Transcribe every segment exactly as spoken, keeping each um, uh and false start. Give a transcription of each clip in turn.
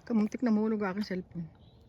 Kamuntik na mahulog ang aking cellphone.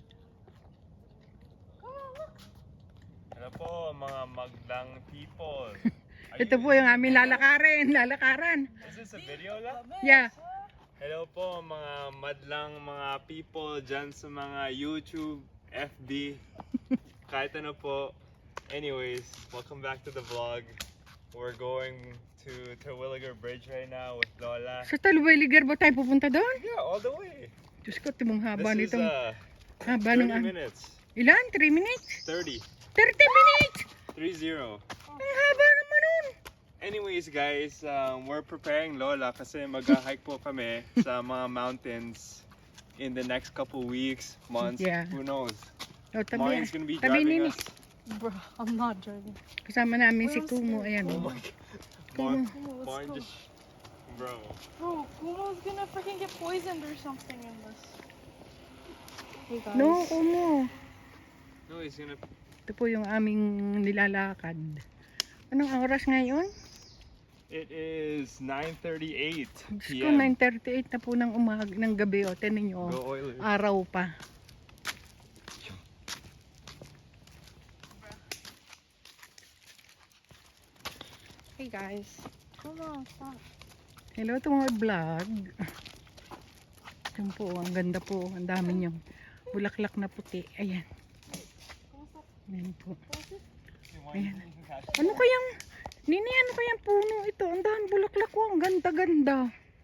Hello po mga maglang people. Are Ito you- po yung aming lalakarin, lalakaran. Is this a video lang? Yeah. Hello po mga madlang mga people dyan sa mga YouTube, F B, kahit ano po. Anyways, welcome back to the vlog. We're going to Terwilliger Bridge right now with Lola. Sa Talweliger ba tayo pupunta doon? Yeah, all the way. Diyos ko, timong haba This is nitong, uh, haba thirty ng, minutes. ilan? three minutes? thirty. thirty minutes! three zero. Ang haba naman nun. Anyways guys, um, we're preparing Lola kasi mag-hike po kami sa mga mountains in the next couple weeks, months, Yeah. who knows. O, tabi, Maureen's gonna be tabi driving nini. us. Bro, I'm not driving. Kasama namin si Where's Kumo, the- ayan. Oh o. my god. Kumo. Maureen, Let's Maureen go. just, bro. Bro, Kumo's gonna freaking get poisoned or something in this. Hey guys. No, Kumo. No, he's gonna. Ito po yung aming nilalakad. Anong oras ngayon? It is nine thirty-eight Diyos p ko, m nine thirty-eight na po ng umag ng gabi. O, tinan nyo. Go Oilers. Araw pa. Hey guys. Come on, stop. Hello to mga vlog. Yan po, ang ganda po. Ang dami niyong bulaklak na puti. Ayan. Ayan po. Ayan. Ano kayang, Nini, ano kayang puno ito? Ang dami bulaklak ko. Ang ganda-ganda.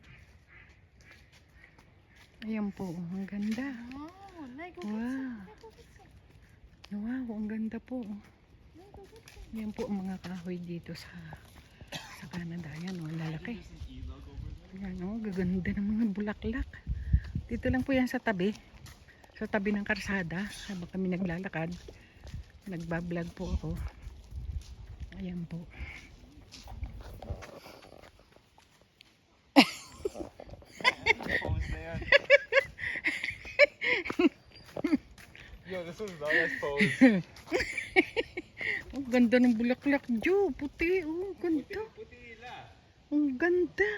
Ayan po, ang ganda. Oh, Lego. Wow. Wow, ang ganda po. Ayan po ang mga kahoy dito sa sa Canada. Ayan o, lalaki. Ayan o, gaganda ng mga bulaklak. Dito lang po yan sa tabi. Sa tabi ng karsada. Habang kami naglalakad. Nagbablog po ako. Ayan po. Pose na yan. Yo, this was Lola's pose. Ang ganda ng bulaklak, Jo. Puti. Oh, ang ganda. Puti nila. Ang ganda.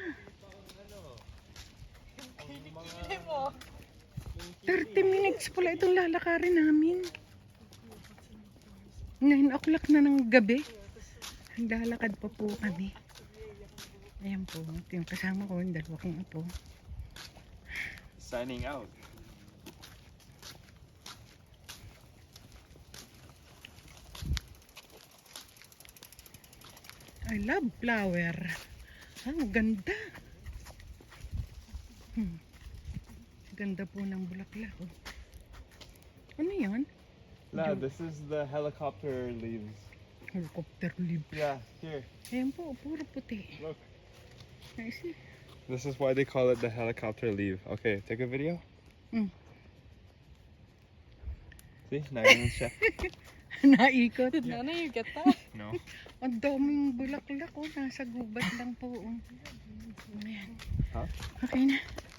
thirty minutes pala itong lalakarin namin. nine o'clock na ng gabi. Lalakad pa po kami. Ayan po. Ito yung kasama ko. Yung dalawa kong apo. Signing out. I love flower. Ah, ang ganda. Hmm. Ganda po ng bulaklak. Oh. Ano yan? La, this is the helicopter leaves. Helicopter leaf. Yeah, here. Ayan po, puro puti. Look. I see. This is why they call it the helicopter leaf. Okay, take a video. Mm. See, not even chef. Naikot. Did none of you get that? No. Ang daming bulaklak. Oh, nasa gubat lang po. Oh. Ayan. Huh? Okay na.